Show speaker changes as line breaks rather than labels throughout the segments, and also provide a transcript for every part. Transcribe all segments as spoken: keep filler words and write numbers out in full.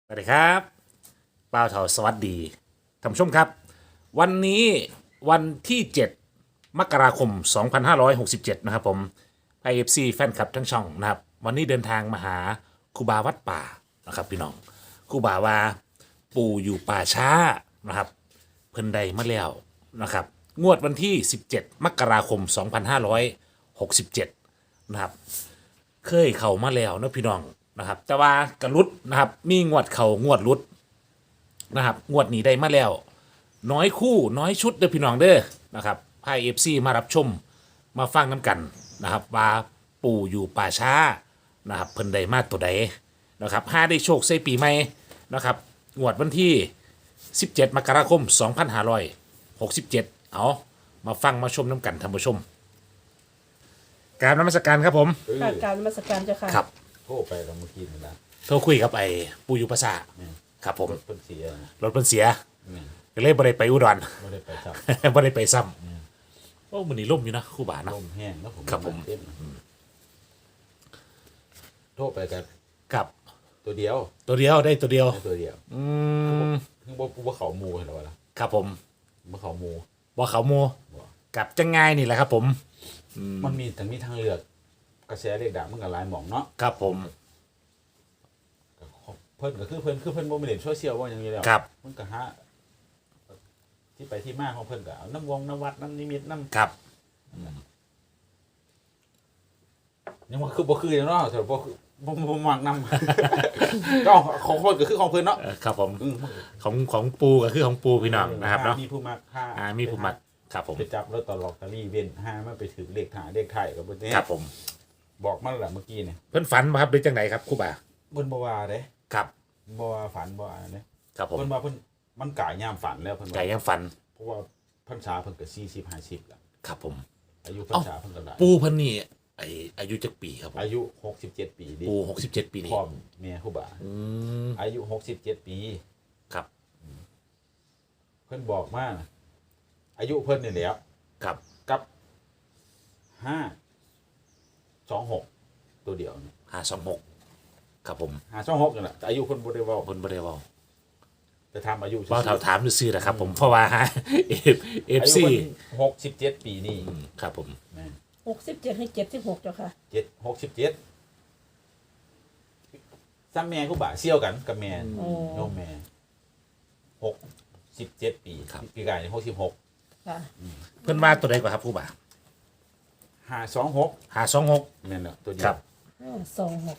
สวัสดีครับป้าวเถาสวัสดีท่านผู้ชมครับวันนี้วันที่เจ็ดมกราคมสองพันห้าร้อยหกสิบเจ็ดนะครับผมไอเอฟซีแฟนคลับทั้งช่องนะครับวันนี้เดินทางมาหาครูบาวัดป่านะครับพี่น้องครูบาว่าปู่อยู่ป่าช้านะครับเพิ่นใดมาแล้วนะครับงวดวันที่สิบเจ็ดมกราคมสองพันห้าร้อยหกสิบเจ็ดนะครับ เคยเข้ามาแล้วเนาะพี่น้องนะครับแต่ว่ากระลุดนะครับมีงวดเข่างวดลุดนะครับงวดนี้ได้มาแล้วน้อยคู่น้อยชุดเด้อพี่น้องเด้อนะครับพายเอฟซีมารับชมมาฟังน้ำกันนะครับว่าปู่อยู่ป่าช้านะครับเพิ่นได้มาตัวใดนะครับห้าได้โชคใส่ปีใหม่นะครับงวดวันที่สิบเจ็ดมกราคมสองพันห้าร้อยหกสิบเจ็ดเอามาฟังมาชมน้ำกันท่านผู้ชมกรารนมัสการครับผม
เออ
ค่ะกรารนมัสการเจ้าค่ะ
ครับ
โทรไปแล้วเมื่อกี้นี่นะ
โทรคุยกับไอ้ปูยุภาษาครับผม
รถเพิ่นเสียนะ
รถเพิ่นเสีย
เนี่ย
ก็เลยบ่ได้ไปอุดร
ไม่ได้ไปจับ
บ่ได้ไปซ้ำโอ้มันนี่ล่มอยู่นะครู่บ่าเนาะ
ลมแห้งแล้วผม
ครับผม
เต้นโทรไปกัน
ครับ
ตัวเดียว
ตัวเดียวได้ตัวเดียว
ได้ตัวเดียว
อืม
คือบ่บ่เขาหมูเห็นหรอวะล่ะ
ครับผม
บ่เขาหมู
บ่เขาโม
บ่
กับจังไงนี่แหละครับผม
มันมีทั้งมีทางเลือกกระแสเรียกดังมันก็หลายหม่องเนาะ
ครับผม
ก็เพิ่นก็คือเพิ่นคือเพิ่นบ่มีเล่นโซเชียลว่าอย่างนี้แล้ว
ครับ
มันก็หาที่ไปที่มาของเพิ่นก็เอาน้ำวงน้ำวัดน้ำนิมิตน้ำ
ครับ
ยังว่าคือบ่คือเนาะแต่บ่คือบ่บ่มักนำ ก็ของคนก็คือของเพิ่นเนาะ
เอ่อครับผม
อืม
ของของปูก็คือของปูพี่น้องนะครับเนาะ
มีผู้มักค่า
อ่ามีผู้มักครับผม
ไปจับลอตเตอรี่ลอตเตอรี่เว้นห้ามันไปถึงเลขถ่ายเลขไทายกับเพิ่นเนี่ย
ครับผม
บอกมาแล้วล่ะเมื่อกี้เนี่ย
เพิ่นฝันมาครับหรือจังไหนครับครู่บ่า
เพิ่นบ่ว่าเด้
ครับ
บ่ว่าฝันบ่ว่าเด้
ครับผม
เพิ่นว่าเพิ่นมันกายยามฝันแล้วเพิ่น
ไก่
ว่า
ยังฝัน
เพราะว่าพรรษาเพิ่นก็สี่สิบ ห้าสิบแล้ว
ครับผม
อายุพรรษาเพิ่นก็หลาย
ปูเพิ่นนี่ไออายุจักปีครับผม
อายุหกสิบเจ็ดปีดิ
ปูหกสิบเจ็ดปีนี่
พ่อแม่ครูบา
อืม
อายุหกสิบเจ็ดปี
ครับ
เพิ่นบอกมานะอายุเพิ่นนี่แหล้ว
ครับ
กับห้าสองหกตัวเดียวนี่
ห้าสองหกครับผม
ห้าสองหกนี่แหละแต่อายุเพิ่นบ่ได้เว้า
เพิ่นบ่ได้เว้า
แต่ทำอายุ
เว้าถามถามซื่อๆนะครับผมเพราะว่าฮะเอฟเอฟ
อายุ
ซี
เพิ่นหกสิบเจ็ดปีนี่
ครับผม
แม่น
หกสิบเจ็ดให้เจ็ดสิบหกเจ้าค่ะ
เจ็ดหกสิบเจ็ดซ้ำแม่ครูบาเซี่ยวกันกับแม่
โอ้
โยมแม่หกสิบเจ็ดปีปีกายนี่หกสิบหก
ค่ะ
เพิ่นว่าตัวใดกว่าครับครูบา
ห้าสองหก
ห้าสองหก
แม่นเนาะตัวเดี
ครั
ยว
บ
ห้าสองหก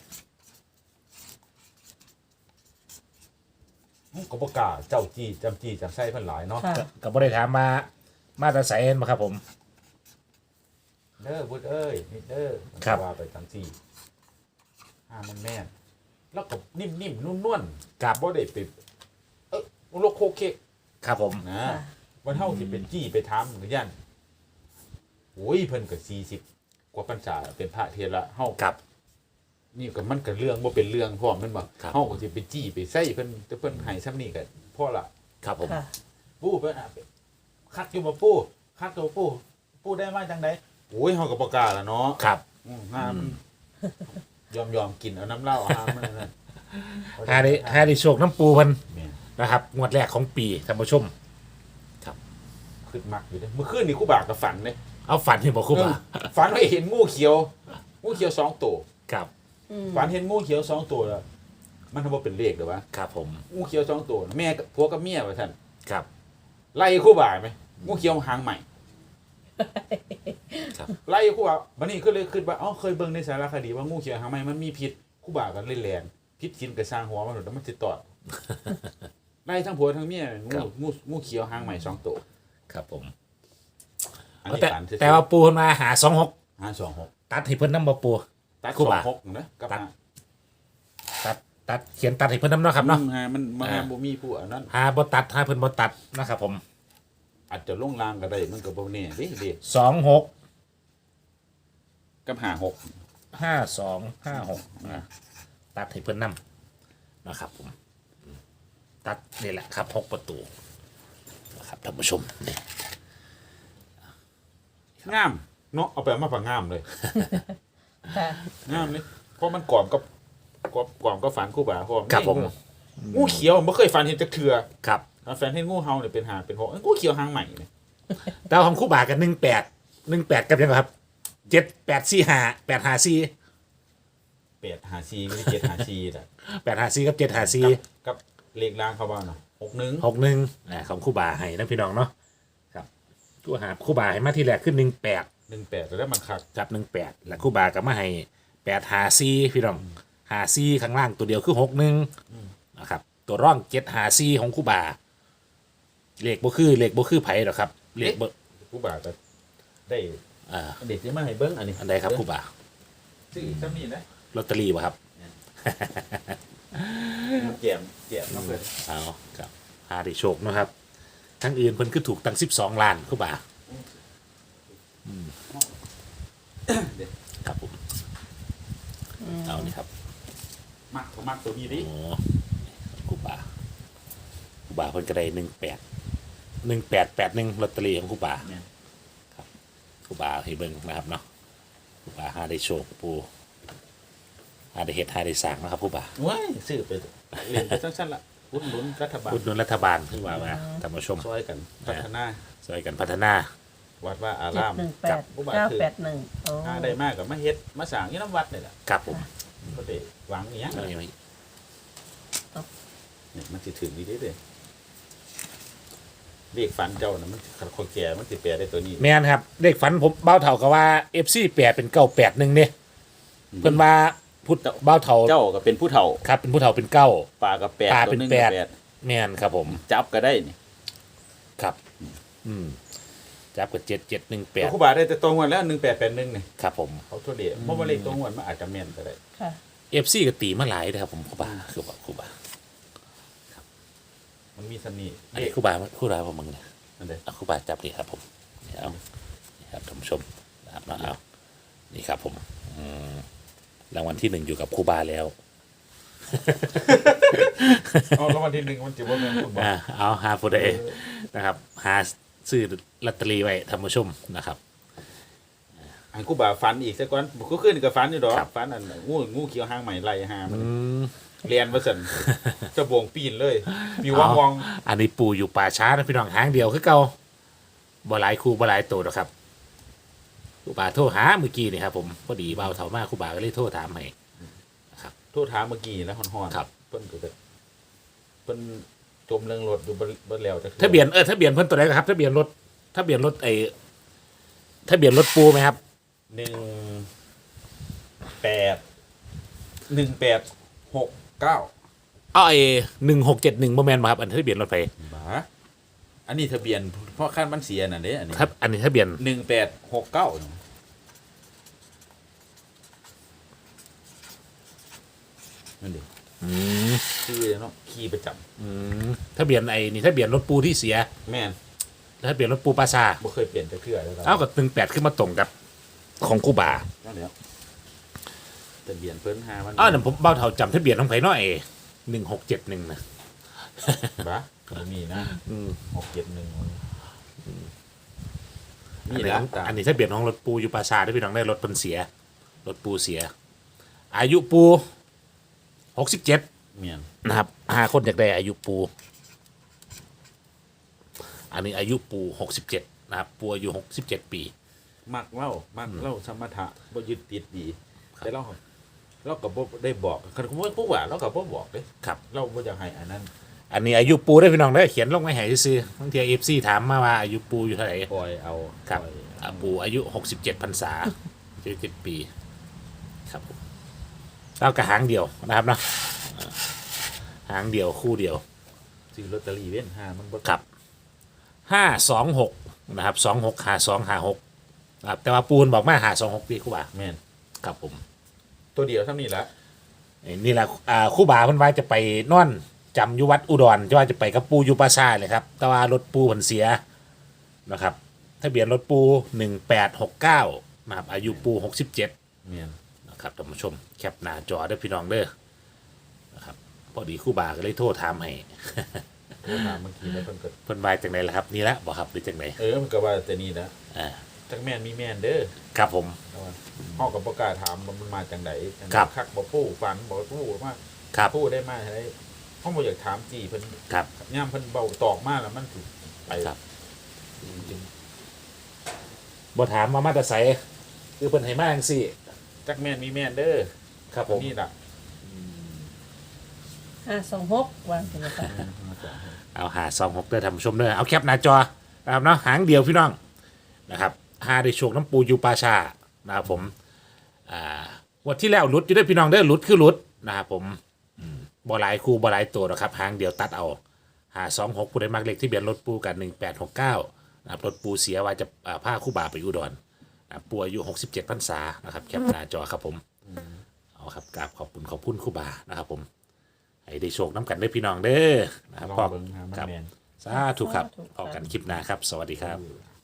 ก็บ่กล้าเจ้าจี้จำจี้จำไส้เพิ่นหลายเนาะ
ค่ะ
ก็บ่ได้ถามมามาตราไสเห็นบ่ครับผม
เด้อบุดเอ้ยนี่เด้อ
ครับ
ว่าไปทั้งสี่ห้ามันแม่นแล้วก็นิ่มๆนุ่นๆ
กับ
บ่ได้ไปเออโลโคเคก
ครับผม
นะ
ค่ะ
วันเฮาสิเป็นจี้ไปทำหรือยันโอ้ยเพิ่นก็สี่สิบกว่าพรรษาเป็นพระเทระเฮา
กับ
นี่ก็มันก็เรื่องบ่เป็นเรื่องพร้อมแม่นบ่
ครับ
เฮาก็สิไปจี้ไปใส่เพิ่นแต่เพิ่นให้ซ้ำนี่ก็พอละ
ครับผม
ค่ะ
ปู่เพิ่นอ่ะคัดอยู่บ่ปู่คัดตัวปู่ปู่ได้มาจังไดโอ้ยเฮาก็บ่กล้าละเนาะ
ครับ
อืมห้ามันยอมยอมกินเอาน้ำเหล้าห้ามมันนั่น
หาได้หาได้โชคน้ำปูเพิ่น
แม่น
นะครับงวดแรกของปีท่านผู้ชม
ขึ้นมักอยู่เด้อเมื่อคืนนี่ครูบาก็ฝันเด้
เอาฝันที่บ่ครูบา
เออฝันว่าเห็นงูเขียว งูเขียวสองตัว
ครับ
อืม
ฝันเห็นงูเขียวสองตัวแล้วมันทำว่าเป็นเลขหรือวะ
ครับผม
งูเขียวสองตัวแม่กับผัวกับเมียว่าท่าน
ครับ
ไล่ครู่บ่าไหมงูเขียวหางใหม่
ครับ
ไล่ครู่บ่าวันนี้ก็เลยคิดว่าอ๋อเคยเบิ่งในสารคดีว่างูเขียวหางใหม่มันมีพิษครู่บ่ากันเล่นแรงพิษกินกระสร้างหัวมันหลุดแล้วมันติดต่อด ไล่ทั้งผัวทั้งเมียงูงูงูเขียวหางใหม่สองตัว
ครับผม
อันนี้
แต่
ฝันซื่อๆ
แต่ว่าปูเพิ่นมาหาสองหก
ห้าสองหก
ตัดให้เพิ่นนำบ่ปู
ตัด
ครู่
สอ
บ่า
งหกนะกับ
ตัด
ห้า
ตัดตัดเขียนตัดให้เพิ่นนำเนาะครับเนาะ
อืมฮะมันมัน
อ่า
บ่มีผู้อันนั้น
หาบ่ตัดหาเพิ่นบ่ตัดนะครับผม
อาจจะลงรางก็ได้มันก็บ่แน่เดิเด็ก
สองหก
กับห้าหก
ห้าสองห้าหกอ่ะตัดให้เพื่อนนำนะครับผมอืมตัดนี่แหละครับหกประตูนะครับท่านผู้ชมนี่
งามเนาะเอาไปเอามาฝังงามเลย
ค่ะ
งามเลยเพราะมันกรอบกับกรอบกรอบก็ฝันคู่บ่าเพราะมัน
ครับผม
งูงูเขียวบ่เคยฝันเห็นจักเทื่อ
ครับ
ถ้าแฟนเห็นงูเห่าเนี่ยเป็นหาเป็นหกเอ้ยงูเขียวหางใหม่เนี่ย
ดาวของคู่บากันหนึ่งแปดหนึ่งแปดกับยังไงครับเจ็ดแปดสี่ห้าแปดห้าสี่
แปดหาซีไม่ใช่เจ็ดหาซีแต่
แปดห้าสี่กับเจ็ดห้าสี่
กับเลขล่างเขาบ้างเนาะหกหนึ่ง
หกหนึ่งอ่าของคู่บาให้นะพี่น้องเนาะครับคู่หาคู่บาให้มาที่แรกขึ้นหนึ่งแปด
หนึ่งแปดแล้วมันคัก
จับหนึ่งแปดแล้วคู่บาก็มาให้แปดหาซีพี่น้องหาซีข้างล่างตัวเดียวคือหกหนึ่งนะครับตัวร่องเจ็ดหาซีของคู่บาเลขบ่คือเลขบ่คือไผ่หรอกครับเลขบ่
ผู้บ่าวก็ได้
อ่า
เด็กที่มาให้เบิ้งอันนี้
อันใดครับคู่บา
ซื้ออีกซ้ำนี่นะ
ลอตเตอรี่วะครับ
แจมแจมน้องเพื่อน
เอาครับหาได้โชคเนาะครับ ทั้งอื่นเพิ่นคือถูกตั้งสิบสองล้านคู่บาครับผมเอานี่ครับ
มักก็มักตัวนี้ดิ
โอ้คู่บาคู่บาเพิ่นก็ได้หนึ่งแปดหนึ่งแปดแปดหนึ่งลอตเตอรี่ของคู่บา
เนี่ย
ครูบาให้เบิ่งนะครับเนาะครูบาหาได้โชคปูหาได้เฮ็ดหาได้สร้างนะครับครูบา
ว้ายซื้อไปเรียนไปสั้นๆละหุ้นลุ้นรัฐบาล
อุดหนุนรัฐบาลครูบามาท่านผู้ชม
ช่วยกันพัฒนา
ช่วยกันพัฒนา
วัดว่าอา
เจ็ด
ราม
หนึ่งแป
ครั
ด
บ
ผู้บ่าว
เก้า
คือ
แปดหนึ่งโอ้
หาได้มากกับมาเฮ็ดมาสร้างยี่น้ำวัดนี่แหละ
ครับผม
ก็ได้หวังอย่างเงี้ย
เอาอย่างนี้
เนี่ยมันสิถึงนี้ได้เลยเรียกฝันเจ้านะมันขัดคนแก่มันสิแปลได้ตัวนี้
แม่นครับเลขฝันผมเบ้าเถ่าก็ว่า เอฟ ซี แปดเป็นเก้าแปดหนึ่งเนี่ยเพิ่นว่าพุทธเบ้าเถ่า
เจ้าก็เป็นผู้เฒ่า
ครับเป็นผู้เฒ่าเป็นเก้า
ปลากับแปด
ปลา
ตัว
เป็น
หนึง
แป
กับ
ด
แปด
แม่นครับผม
จับก็ได้นี่
ครับ อืมจับกับเจ็ดเจ็ดหนึ่งแปด
ครูบาได้แต่ตรงวันแล้วหนึ่งแปดแปดหนึ่งนี่
ครับผม
เขาทั่วเดียเพราะว่าเลขตรงวันมันอาจจะแม่นก็ได้
ค่ะ
เอฟซีก็ตีมาหลายนะครับผมครูบาครูบาครูบา
มันมีสนิท
อันนี้ครูบาครูบาผมมึงเนี่ย
นั่นเด้
เอาครูบาจับนี่ครับผมนี่เอานี่ครับท่านผู้ชมนะครับเนาะเอานี่ครับผมอืมรางวัลที่หนึ่งอยู่กับครูบาแล้ว
เอาแล้ววันที่หนึ่งมันจะว่าแม่นคุณบอก
อ่าเอาหาผู้ใดนะครับ หาซื้อลอตเตอรี่ไว้ท่านผู้ชมนะครับ
ให้ครูบาฝันอีกสักก่อนก็ขึ้นกับฝันอยู่ดอก
ครับ
ฝันอันงูงูเขียวหางใหม่ไล่หามัน
อืม
เรียนว่าสันจะบวงปีนเลยมีว่างวอง
อันนี้ปู่อยู่ป่าช้านะพี่น้องหางเดียวคือเก่าบ่หลายครูบ่หลายตัวหรอกครับครูบาโทรหาเมื่อกี้นี่ครับผมพอดีเบาเท่ามากครูบาก็เลยโทรถามให้
โทษถามเมื่อกี้แล้วฮอนๆ
ครับ
เพิ่นก็จะเพิ่นจมเรื่องรถอยู่บ่บ่แล้วจะ
ทะเบียนเออทะเบียนเพิ่นตัวไหนครับทะเบียนรถทะเบียนรถไอ้ทะเบียนรถปูไหมครับ
หนึ่งแปดหนึ่งแปดหกเก้า
เอาไอ้หนึ่งหกเจ็ดหนึ่งโมแมนมาครับอันทะเบียนรถไฟ
บาอันนี้ทะเบียนเพราะขั้นมันเสียน่ะเด้อันนี้
ครับอันนี้ทะเบียน
หนึ่งแปดหกเก้านั่นดิ
อืม
คือเนาะขี่ประจำ
อืมทะเบียนไอ้นี่ทะเบียนรถปูที่เสีย
แม่น
ทะเบียนรถปูปลาซา
บ่เคยเปลี่ยนแต่เทื่อแล้วครับ
เอากับหนึ่งแปดขึ้นมาตรงกับของครูบา
นั่นแหละทะเบียนเพิ่นหามัน
อ้าวนั่นผมเบ้าเท่าจำทะเบียนของไผน้อยหนึ่งหกเจ็ดหนึ่งนะ
บาบ่มีนะ
อืม
หกเจ็ดหนึ่ง
อั
นี่
น
แห
นี้
ละ
อันนี้ทะเบียนของรถปูอยู่ปลาซาด้วยพี่น้องได้รถเพิ่นเสีย รถปูเสีย อายุปูหกสิบเจ็ด
เมียน
นะครับห้าคนอยากได้อายุปู อันนี้อายุปูหกสิบเจ็ดนะครับปูอายุหกสิบเจ็ดปี
มักเล่ามักเล่าสมถะบ่ยึดติดดีแต่เราเราก็บ่ได้บอกคันผมว่าผู้ว่าเราก็บ่บอกเด้
ครับ
เราบ่อยากให้อันนั้น
อันนี้อายุปูได้พี่น้องได้อเขียนลงไว้ให้ซื้อๆบางทีเอฟซีถามมาว่าอายุปูอยู่เท่าไหร่
ปล่อยเอา
ครับ
ปล่อย
อ่าปูอายุหกสิบเจ็ดพรรษาเจ็ดสิบปี ครับผมเรากระหางเดียวนะครับเนาะอ่าหางเดียวคู่เดียว
ซื้อลอตเตอรี่เว้นห้ามันบ่
ครับห้าสองหกนะครับสองหกหาสองหาหกครับแต่ว่าปูนบอกมาหาสองหกปีคู่บ่า
แม่น
ครับผม
ตัวเดียวเท่านี้ละ
นี่แหละอ่าคู่บ่าเพิ่นว่าจะไปนอนจำอยู่วัดอุดรจะว่าจะไปกับปูอยู่ปราสาทเลยครับ แต่ว่ารถปูเพิ่นเสียนะครับทะเบียนรถปูหนึ่งแปดหกเก้านะครับอายุปูหกสิบเจ็ด
แม่น
นะครับท่านผู้ชมแคปหน้าจอได้อพี่น้องเด้อนะครับพอดีคู่บ่าก็เลยโทรถามให้
โทรถามเมื่อกี้แล้วเพิ่นก็
เพิ่นว่าจังไดล่ะครับนี่ละบ่ครับหรือจังได
เออมันก็ว่าแต่นี่นะ
อ่า
จักแม่นมีแม่นเด้อ
ครับผม
แต่ว่าเฮาก็บ่กล้าถามว่ามันมาจังไดจังใด
ครับ
คักบ่ปู้ฝันบ่ปู้มา
ครับ
ปู้ได้มาได้เฮเขาบ่อยากถามจีเพิ่น
ครับ
ย่ามเพิ่นเบาตอกมาแล้วมันสิไป
ครับบ่ถามมามาแต่ไสคือเพิ่นให้มาจังซี่
จักแม่นมีแม่นเด้อ
ครับผม
นี่ล่ะ
ห้าสองหกวางเป็นค่ะ
เอาหาสองหกเด้อท่านผู้ชมเด้อเอาแคปหน้าจอนะครับเนาะหางเดียวพี่น้องนะครับหาได้โชคน้ำปูอยู่ปลาชานะครับผมอ่างวดที่แล้วหลุดอยู่เด้อพี่น้องเด้อหลุดคือหลุดนะครับผมอืมบ่หลายคู่บ่หลายตัวหรอกครับหางเดียวตัดเอาหาสองหกผู้ใดมักเลขที่เบียนรถปูกันหนึ่งแปดหกเก้านะครับรถปูเสียว่าจะอ่าพาคู่บ่าไปอุดรนะครับปูอายุหกสิบเจ็ดพรรษานะครับแคปหน้าจอครับผมเอาครับกราบขอบคุณขอบคุณคู่บ่านะครับผมให้ได้โชคน้ำกันเด้อพี่น้องเด้อนะครับ
ลอง
พร้อม
เบิ่งหามัน
ครับ
แม่น
สาธุครับ
สาธุ
พอกันคลิปหน้าครับ สวัสดีครับ
เออ